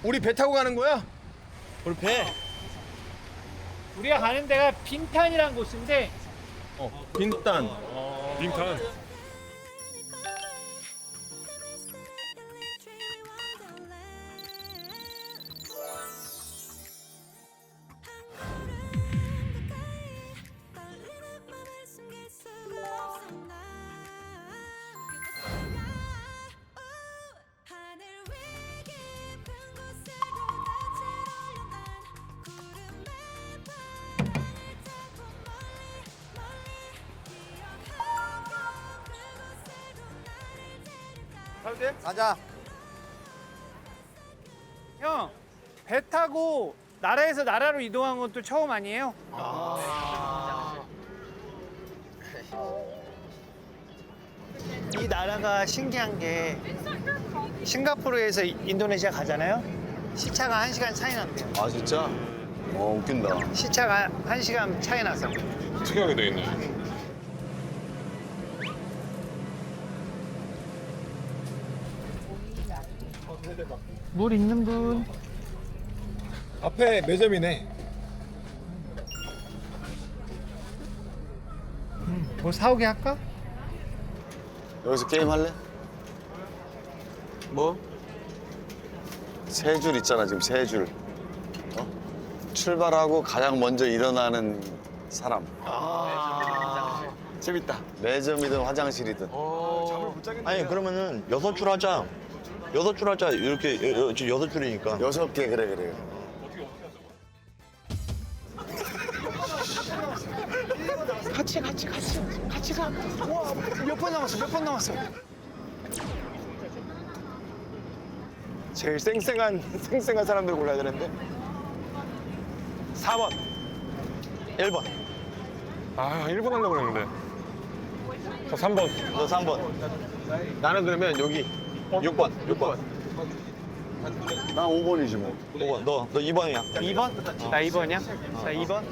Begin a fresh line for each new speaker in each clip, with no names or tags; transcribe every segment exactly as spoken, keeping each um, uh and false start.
우리 배 타고 가는 거야?
우리 배.
우리가 가는 데가 빈탄이라는 곳인데
어, 빈탄.
빙탄.
가자.
형, 배 타고 나라에서 나라로 이동한 것도 처음 아니에요? 이 나라가 신기한 게 싱가포르에서 인도네시아 가잖아요. 시차가 한 시간 차이 난대요.
아 진짜? 어 웃긴다.
시차가 한 시간 차이 나서.
특이하게 돼 있네.
물 있는 분?
앞에 매점이네.
뭐 사오게 할까?
여기서 게임 할래? 뭐? 세 줄 있잖아 지금 세 줄. 어? 출발하고 가장 먼저 일어나는 사람.
아.
재밌다. 매점이든 화장실이든.
아니 그러면은 여섯 줄 하자. 여섯 줄 하자. 이렇게 여, 여, 지금 여섯 줄이니까.
여섯 개 그래 그래.
같이 같이 같이 같이 가. 와, 몇 번 남았어? 몇 번 남았어?
제일 쌩쌩한 쌩쌩한 사람들 골라야 되는데. 사 번.
일 번.
아, 일 번 하려고 그랬는데. 저 삼 번.
너 삼 번.
나는 그러면 여기
육 번. 육 번.
나 오 번이지 뭐.
오 번. 너, 너 이 번이야.
이 번? 나 이 번이야? 나 이 번?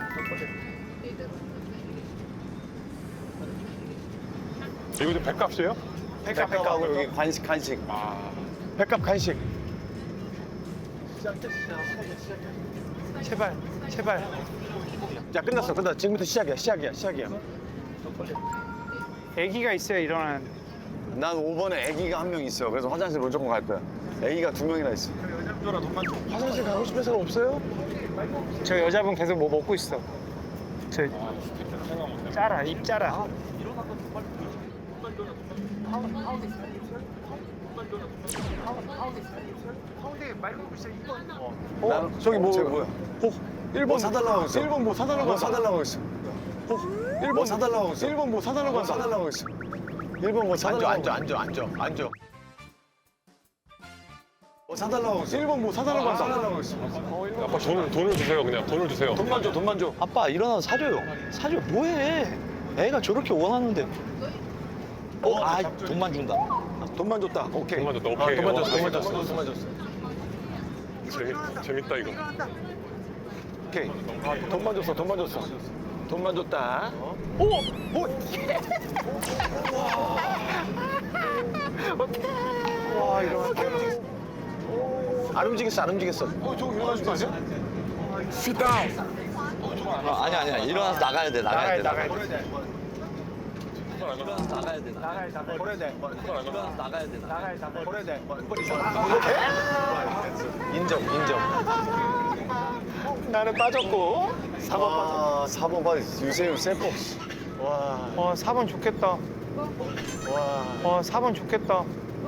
이거 좀 백값이에요?
백합
백합하고
백합.
여기 간식 간식.
백합 간식.
제발 제발.
야 끝났어 끝났어. 지금부터 시작이야 시작이야 시작이야.
아기가 있어야 일어나는.
난 오 번에 아기가 한 명 있어. 그래서 화장실 무조건 갈 거야. 아기가 두 명이나 있어.
화장실 가고 싶은 사람 없어요?
저 여자분 계속 뭐 먹고 있어. 저 짜라 입 짜라. 가운데 말 걸고 있어 이 번.
어?
나는-
저기 뭐
쟤 뭐야?
어? 일 번
뭐 사달라고 했어.
일 번 뭐 사달라고
뭐
했어.
사달라고 했어.
일 번
뭐 사달라고 했어.
일 번 뭐 사달라고
뭐
했어.
사달라고 했어. 일 번 뭐 사달라고
앉아 앉아 앉아 앉아 앉아.
뭐 사달라고 했어.
일 번 뭐 사달라고 했어.
사달라고 했어.
아빠 돈을, 돈을 주세요, 그냥. 돈을 주세요.
돈만 줘 돈만 줘.
아빠 일어나서 사줘요. 사줘. 뭐해? 애가 저렇게 원하는데. 어, 아, 돈만 준다.
돈만 줬다. 오케이.
돈만 줬다,
아,
오케이.
돈만
어,
줬어. 돈만
재밌다.
줬어. 돈만 줬어.
재밌, 재밌다, 이거.
오케이. 아, 돈만 줬어. 돈만 줬어. 돈만 줬다. 오! 오!
와 이러면
안 움직였어. 안 움직였어. 어, 저거 일어나는 거 아니야? Sit down.
아, 아니 아니야. 일어나서 나가야 돼. 나가야
나가야
돼.
나가야 돼.
일어나서 나가야 돼.
나가야 나가야
버려야 돼.
일어나서 나가야 돼.
나가야 나가야.
버려야 돼. 인정, 인정. 나는 빠졌고. 사 번 빠졌고.
아, 사 번 봐. 유세윤 세포.
와,
어 사 번 좋겠다.
와.
어 사 번 좋겠다.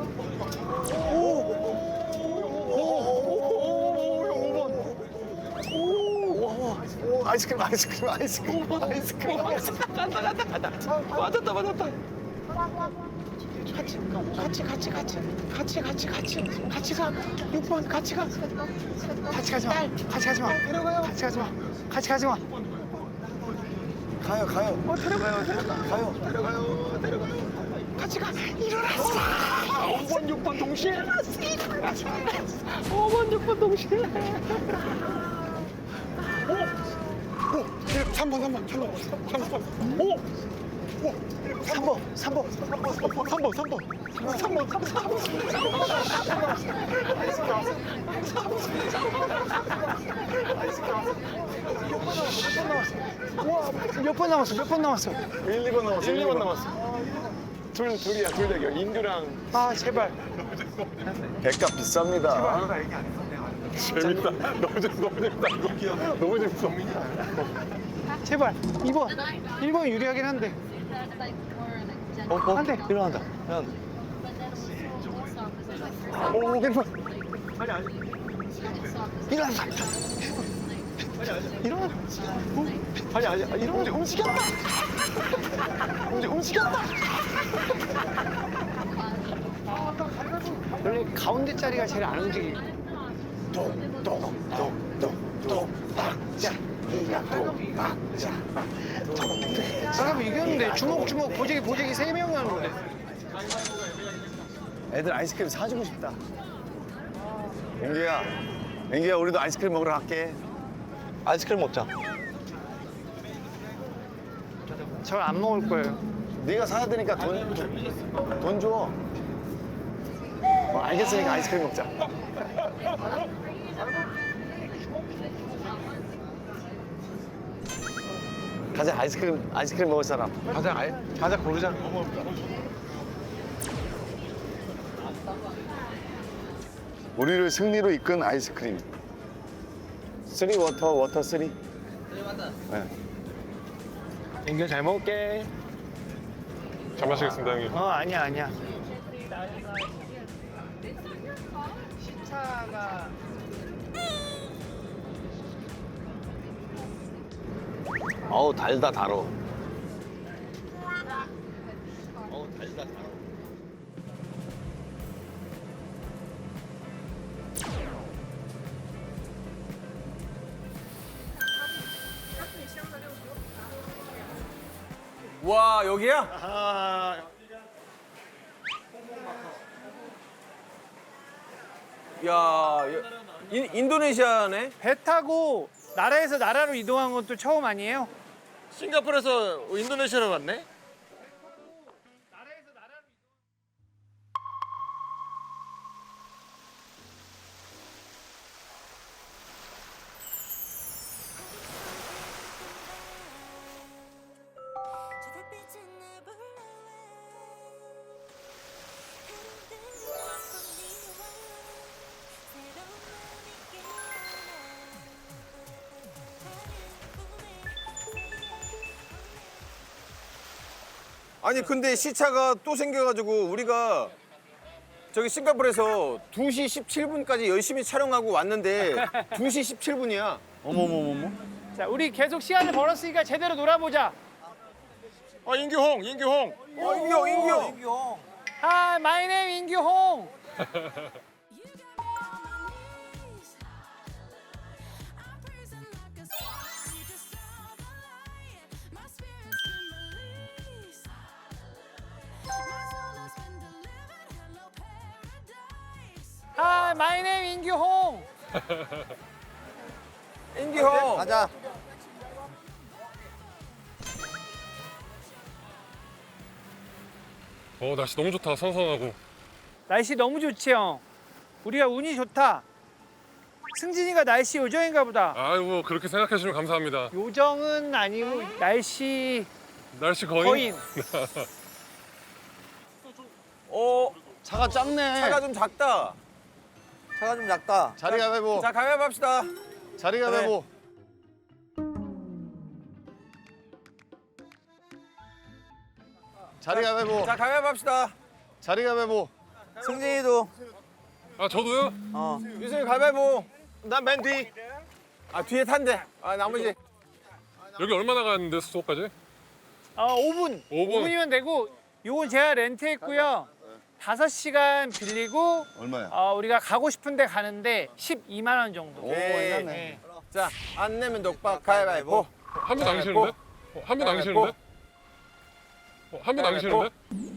오, 아이스크림, 아이스크림, 아이스크림, 아이스크림, 아이스크림. 간다, 간다, 간다. 맞았다, 맞았다. 같이, 같이, 같이, 같이, 같이, 같이, 같이, 같이 가. 육 번 같이 가. 같이 가지 마. 같이 가지 마. 데려가요. 같이 가지 마. 같이 가지 마.
가요, 가요.
어, 데려가요, 데려가.
가요.
데려가요, 데려가요. 같이 가. 일어났어. 오 번, 육 번 동시에. 오 번, 육 번 동시에. 오! 오! 삼 번, 삼 번, 삼 번, 삼 번. 오! 삼 번, 삼 번, 삼 번, 삼 번, 삼 번, 삼 번, 삼 번, 몇 번 남았어? 몇 번 남았어?
일, 이 번 남았어. 일, 이 번 남았어. 둘, 둘이야, 둘 대결. 인두랑.
아 제발.
백값 비쌉니다.
재밌다. 너무 재밌어, 너무 재밌다. 이거. 너무 재밌어.
제발 이 번. 일 번이 유리하긴 한데.
어, 어,
안 돼.
일어난다. 일어난다.
오, 일 번. 일어난다. 일어나.
아니, 아니, 아니, 이런 움직였다. 움직, 움직였다.
원래 가운데 자리가 제일 안 움직이. 사람 이겼는데 주먹 주먹 보재기 보재기 세 명이 하는데. 애들 아이스크림 사주고 싶다.
앵기야, 앵기야 우리도 아이스크림 먹으러 갈게.
아이스크림 먹자.
저 안 먹을 거예요.
네가 사야 되니까 돈, 돈, 돈 줘. 어, 알겠으니까 아이스크림 먹자. 가자, 아이스크림, 아이스크림 먹을 사람.
가자, 아이, 가자 고르자.
우리를 승리로 이끈 아이스크림. 쓰리 워터, 워터 쓰리. 네.
인규 잘 먹을게.
잘 마시겠습니다, 형님.
어 아니야 아니야. 시차가
어우, 달다, 달어. 어우, 달다, 달어.
와 여기야? 야 인, 인도네시아네?
배 타고 나라에서 나라로 이동한 것도 처음 아니에요?
싱가포르에서 인도네시아로 왔네? 아니 근데 시차가 또 생겨가지고 우리가 저기 싱가포르에서 두 시 십칠 분까지 열심히 촬영하고 왔는데 두 시 십칠 분이야.
어머머머머.
자, 우리 계속 시간을 벌었으니까 제대로 놀아보자.
어 인규홍, 인규홍. 어 인규, 인규.
Hi, my name 인규홍. Hi, my name 인규홍.
인규홍.
가자.
어, 날씨 너무 좋다. 선선하고.
날씨 너무 좋지 형. 우리가 운이 좋다. 승진이가 날씨 요정인가 보다.
아이고, 그렇게 생각해 주시면 감사합니다.
요정은 아니고 날씨
날씨 거인?
거인.
어
차가 작네.
차가 좀 작다.
차가 좀 작다.
자리 가위바위보.
자 가위바위보 합시다.
자리 가위바위보. 자리 가위바위보.
자 가위바위보 합시다.
자리 가위바위보.
승진이도.
아, 저도요?
어.
유승이 가위바위보. 난 맨 뒤. 아 뒤에 탄대. 아 나머지.
여기 얼마나 가는데, 수도까지?
어, 오 분.
오 분.
오 분이면 되고 요건 제가 렌트했고요. 다섯 시간 빌리고
얼마야?
어, 우리가 가고 싶은데 가는데 십이만 원 정도.
오,
오케이.
괜찮네.
자 안 내면 독박 가위바위보.
한 분 안 계시는데? 어, 한 분 안 계시는데? 어, 한 분 안 계시는데?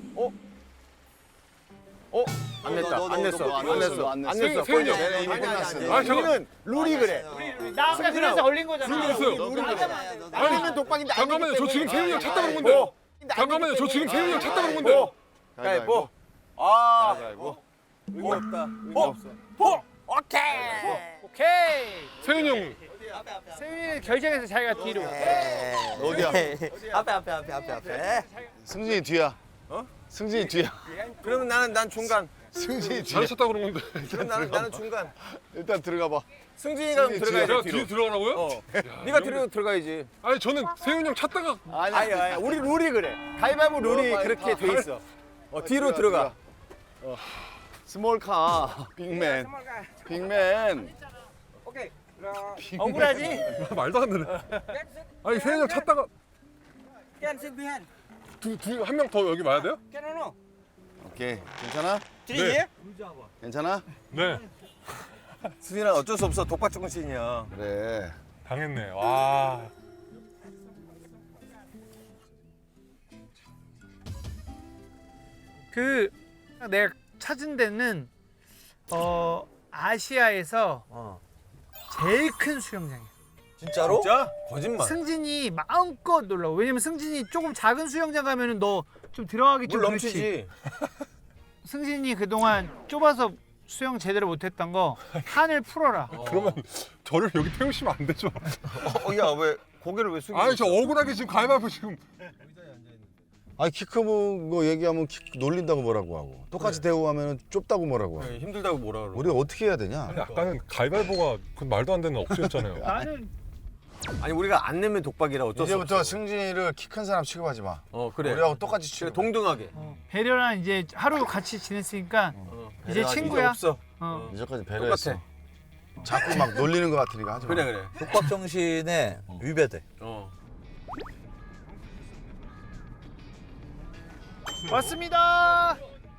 어? 안 냈다.
너, 너,
안
너,
냈어.
너,
안
너,
냈어.
너, 안
안
냈어.
냈어.
세윤이 형.
내가 이미 끝났어.
아, 잠깐.
우리는 룰이 그래.
나 아까 그래서 걸린 거잖아.
됐어요.
안 내면 독박인데 안
잠깐만요, 저
내기
지금
때문에.
세윤이 형 찾다 그런 건데.
오,
잠깐만요. 저 지금 세윤이 형 찾다 그런 건데.
가위바위보. 아,
가위바위보.
의미 없다. 의미
어?
없어. 보. 오케이.
오케이.
세윤이 형
세윤이는 결정해서 자기가 뒤로.
어디야?
앞에 앞에 앞에 앞에 앞에.
승진이 뒤야.
어?
승진이 뒤야.
그러면 나는 난 중간.
승진이 뒤야.
잘 찾다 그런 건데.
그럼 나는 나는 중간.
일단 들어가 봐.
승진이가 그럼 들어가야
제가
돼
뒤에
뒤로.
들어가라고요?
어. 네가 뒤로 들어가야지.
아니 저는 세윤이 형 찾다가
아니 아니 우리 룰이 그래. 가위바위보 룰이
어,
그렇게 돼 있어. 어 뒤로 들어가.
스몰카. 빅맨. 빅맨.
억울하지?
말도 안 되네. 아니 세윤이 형 찾다가 두두한 명 더 여기 와야 돼요?
오케이. 괜찮아?
네.
괜찮아?
네.
수진아 어쩔 수 없어. 독박 정신이야.
그래.
당했네. 와.
그 내가 찾은 데는 어 아시아에서 제일 큰 수영장이야.
진짜로?
진짜? 거짓말.
승진이 마음껏 놀라. 왜냐면 승진이 조금 작은 수영장 가면은 너 좀 들어가기 좀
물
그렇지.
넘치지.
승진이 그동안 좁아서 수영 제대로 못했던 거 한을 풀어라.
그러면 저를 여기 태우시면 안 되죠?
어, 야 왜 고개를 왜 숙이고?
아니 저 억울하게 지금 가위바위보 지금.
아니 키 크고 거 얘기하면 키 놀린다고 뭐라고 하고 똑같이 대우하면 좁다고 뭐라고 하고.
네, 힘들다고 뭐라 그러?
우리가 어떻게 해야 되냐?
아니 아까는 가위바위보가 그 말도 안 되는 억지였잖아요.
나는
아니 우리가 안 내면 독박이라 어쩔 수 없어.
이제부터 승진이를 키 큰 사람 취급하지 마.
어 그래.
우리하고 똑같이
그래
취급.
동등하게.
어, 배려랑 이제 하루 같이 지냈으니까
어,
이제
배려하기
친구야.
없어.
어.
이제까지 배려했어.
똑같아.
자꾸 막 놀리는 것 같으니까 하지 마.
그래 그래.
독박 정신에 위배돼.
어.
왔습니다.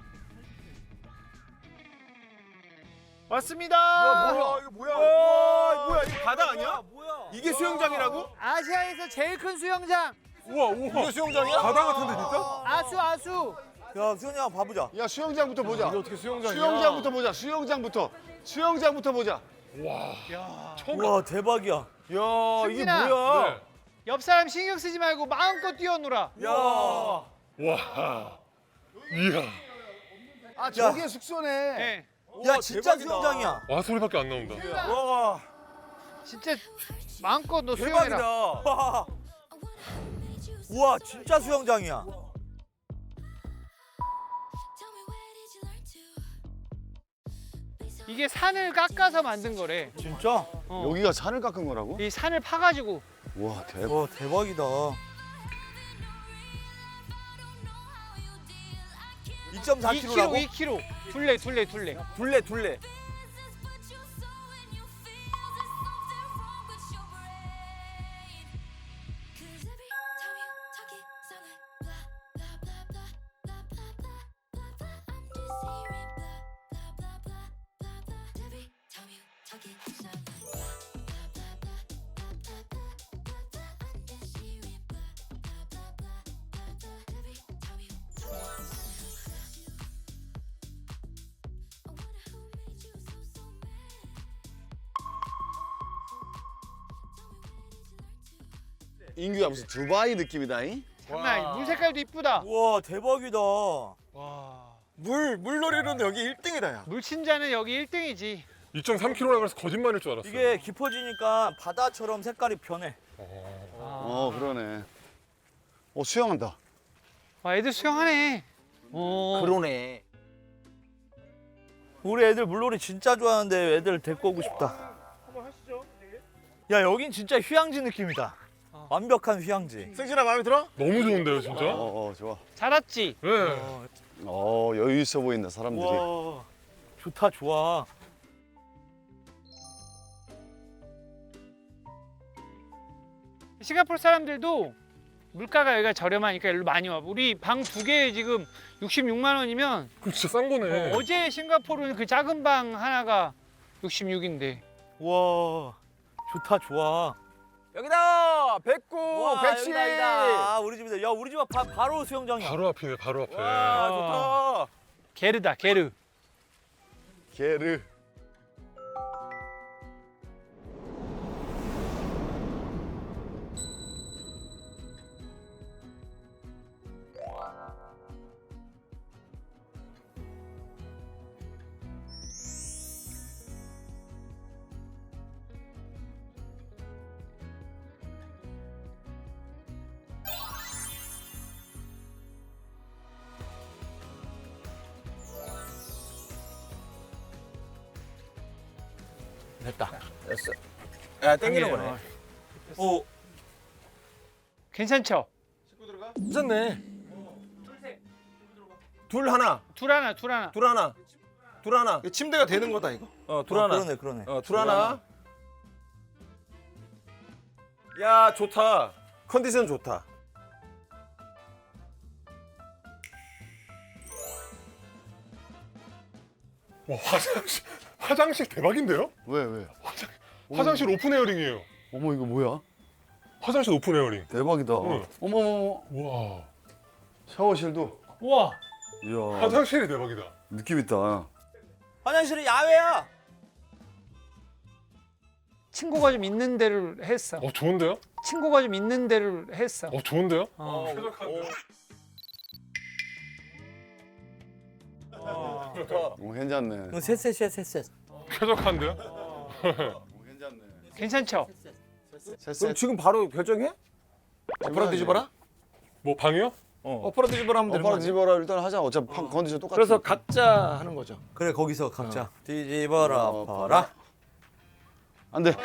왔습니다.
이거 뭐야? 와 뭐야 이거 바다 아니야? 이게 수영장이라고?
아시아에서 제일 큰 수영장.
우와 우와.
이게 수영장이야?
바다 같은데 진짜?
아수 아수.
야 수현이 형 봐보자.
야 수영장부터 보자.
이게 어떻게 수영장이야?
수영장부터 보자. 수영장부터. 수영장부터 보자.
처음.
와 대박이야.
야 이게
승진아.
뭐야?
네.
옆 사람 신경 쓰지 말고 마음껏 뛰어놀아.
야.
와. 이야.
아 저게 숙소네.
네.
야
우와,
진짜
대박이다.
수영장이야.
와 소리밖에 안 나온다.
와
진짜 마음껏 너 수영해라.
대박이다.
와. 우와 진짜 수영장이야.
이게 산을 깎아서 만든 거래.
진짜?
어.
여기가 산을 깎은 거라고?
이 산을 파가지고.
와 대박.
와 대박이다. 이 점 사
이
킬로미터라고?
킬로미터, 이 킬로미터. 둘레, 둘레, 둘레.
둘레 둘레.
인규야 무슨 두바이 느낌이다잉?
장난 아니. 물 색깔도 이쁘다.
우와 대박이다.
와.
물 물놀이는 여기 일 등이다 야.
물친자는 여기 일 등이지.
이 점 삼 킬로미터라 그래서 거짓말일 줄 알았어.
이게 깊어지니까 바다처럼 색깔이 변해.
어 그러네. 어 수영한다.
와, 애들 수영하네. 어.
그러네.
우리 애들 물놀이 진짜 좋아하는데 애들 데리고 오고 싶다.
한번 하시죠.
야 여긴 진짜 휴양지 느낌이다.
어.
완벽한 휴양지.
승진아 마음에 들어?
너무 좋은데요 진짜?
어, 어 좋아.
잘 왔지?
네.
어 여유 있어 보인다 사람들이.
와 좋다 좋아.
싱가포르 사람들도 물가가 여기가 저렴하니까 여기로 많이 와. 우리 방 두 개에 지금 육십육만 원이면
그럼 진짜 싼 거네.
어, 제 싱가포르는 그 작은 방 하나가 육십육인데.
와 좋다 좋아.
여기다 백구
와
백십.
여기다 여기다. 아, 우리 집이다. 야 우리 집 앞 바, 바로 수영장이야.
바로 앞이네 바로 앞에.
와 좋다.
게르다, 게르.
게르.
됐다.
됐어. 야 땡기는 거네.
오.
괜찮죠?
괜찮네. 둘 하나,
둘 하나, 둘 하나.
둘 하나, 둘 하나.
침대가 되는 거다 이거.
어, 둘
어,
하나.
그러네, 그러네.
어, 둘 하나. 야 좋다. 컨디션 좋다.
와 화장실 화장실 대박인데요?
왜 왜?
화장실 오픈 에어링이에요.
어머 이거 뭐야?
화장실 오픈 에어링.
대박이다.
응.
어머 어머.
와
샤워실도.
우와.
이야.
화장실이 대박이다.
느낌 있다.
화장실이 야외야.
친구가 좀 있는 데를 했어.
어 좋은데요?
친구가 좀 있는 데를 했어.
어 좋은데요?
어.
쾌적한데요?
어 괜찮네.
셋셋셋 셋셋.
쾌적한데요?
괜찮네.
괜찮죠?
그럼 지금 바로 결정해?
엎어라 뒤집어라?
뭐 방이요?
엎어라 뒤집어라 하면 되는 거
오빠랑
아니야?
집어라 일단 하자. 어차피 판 컨디션 똑같아.
그래서 각자 하는 거죠.
그래 거기서 각자 뒤집어라
어,
봐라.
안 돼.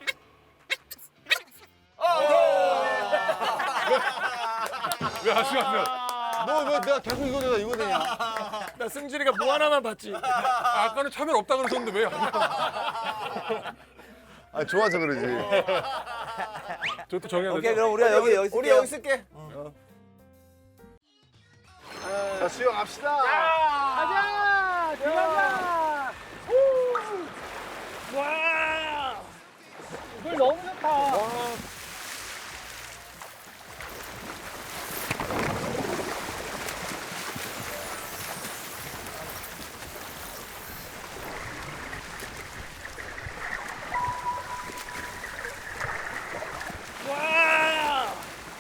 왜 하시겠어요?
뭐, 뭐 내가 계속 이거 되다 이거 되냐?
나 승진이가 뭐 하나만 봤지.
아, 아까는 차별 없다 그러셨는데 왜?
아 좋아서 그러지.
저것도 정해야
오케이
되죠?
그럼 우리가 여기 여기
우리
쓸게요.
여기 쓸게.
자 수영합시다.
가자! 들어가자! 와! 물 너무 좋다. 와!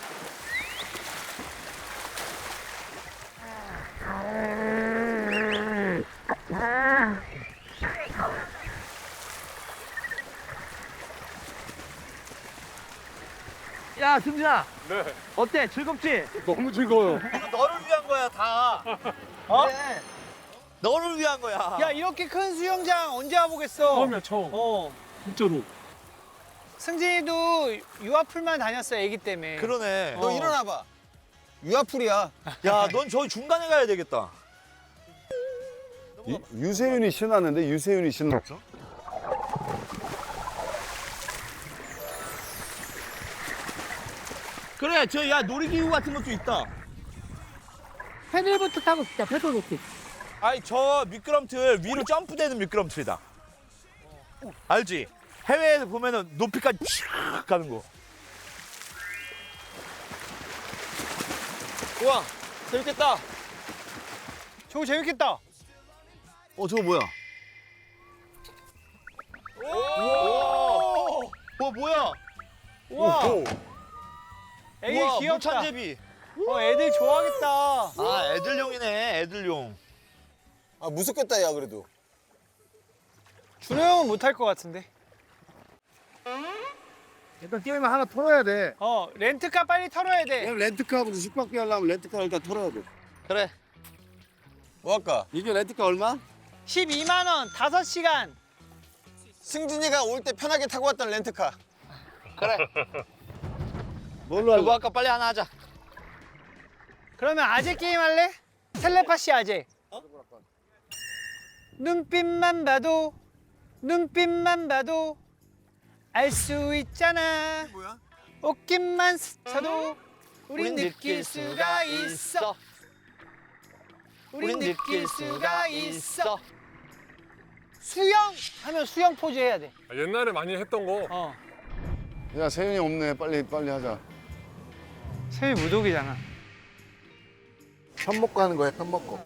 야 승진아.
네.
어때? 즐겁지?
너무 즐거워요.
너를 위한 거야 다. 어? 그래. 너를 위한 거야.
야, 이렇게 큰 수영장 언제 와보겠어?
처음이야 처음.
어.
진짜로.
승진이도 유아풀만 다녔어, 애기 때문에.
그러네.
너 일어나 봐. 유아풀이야.
야, 넌 저기 중간에 가야 되겠다.
유, 유세윤이 신났는데 유세윤이 신났어?
그래, 저 야 놀이기구 같은 것도 있다.
패들보트 타고 싶다, 패들보트.
아니 저 미끄럼틀 위로 점프되는 미끄럼틀이다. 알지? 해외에서 보면은 높이까지 쫙 가는 거.
우와 재밌겠다.
저거 재밌겠다.
어 저거 뭐야?
와 뭐야?
우와.
오.
애기
우와,
귀엽다.
물찬제비.
어, 애들 좋아하겠다.
아 애들용이네, 애들용.
아 무섭겠다 야 그래도.
준호 형은 못할 것 같은데.
일단 게임을 하나 털어야 돼.
어, 렌트카 빨리 털어야 돼.
그냥 렌트카하고 숙박비 하려면 렌트카 일단 털어야 돼.
그래.
뭐 할까?
이게 렌트카 얼마?
십이만 원, 다섯 시간.
승진이가 올 때 편하게 타고 왔던 렌트카.
뭘로 할래?
그거 아까 빨리 하나 하자.
그러면 아재 게임 할래? 텔레파시 아재. 눈빛만 봐도, 눈빛만 봐도 알 수 있잖아.
뭐야?
옷깃만 스쳐도 우린 느낄 수가 있어. 우린 느낄 수가 있어. 수영 하면 수영 포즈 해야 돼.
아, 옛날에 많이 했던 거.
어.
야 세윤이 없네. 빨리 빨리 하자.
세미 무독이잖아.
편 먹고 하는 거야, 편 먹고.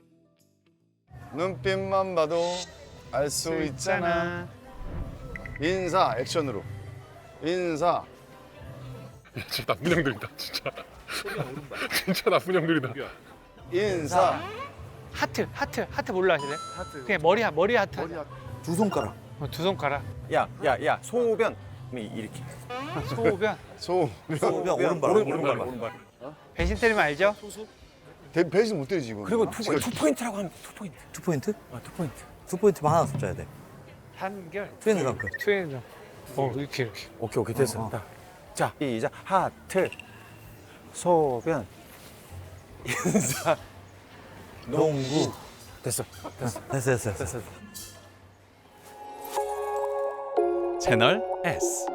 눈빛만 봐도 알 수 있잖아. 인사 액션으로. 인사.
진짜 나쁜 형들이다 진짜. 진짜 나쁜 형들이다.
인사.
하트, 하트, 하트 뭘로 하실래? 하트. 그냥 머리, 하- 머리 하트.
머리
하자.
두 손가락.
어, 두 손가락.
야야야 소변 이렇게.
소변.
소.
소변 오른발.
오른발 오른발.
배신 때리면 알죠?
대, 배신 못 때리지 이거.
그리고 투, 투 포인트라고 하면 돼, 투 포인트.
투 포인트?
아, 투 포인트.
투 포인트만 하나 숫자야 돼.
한결.
트윈드렁크.
트윈드. 어 이렇게 이렇게.
오케이 오케이 됐어. 자 이자 하트 소변 인사 농구 됐어 됐어 됐어 됐어 됐어.
채널 S.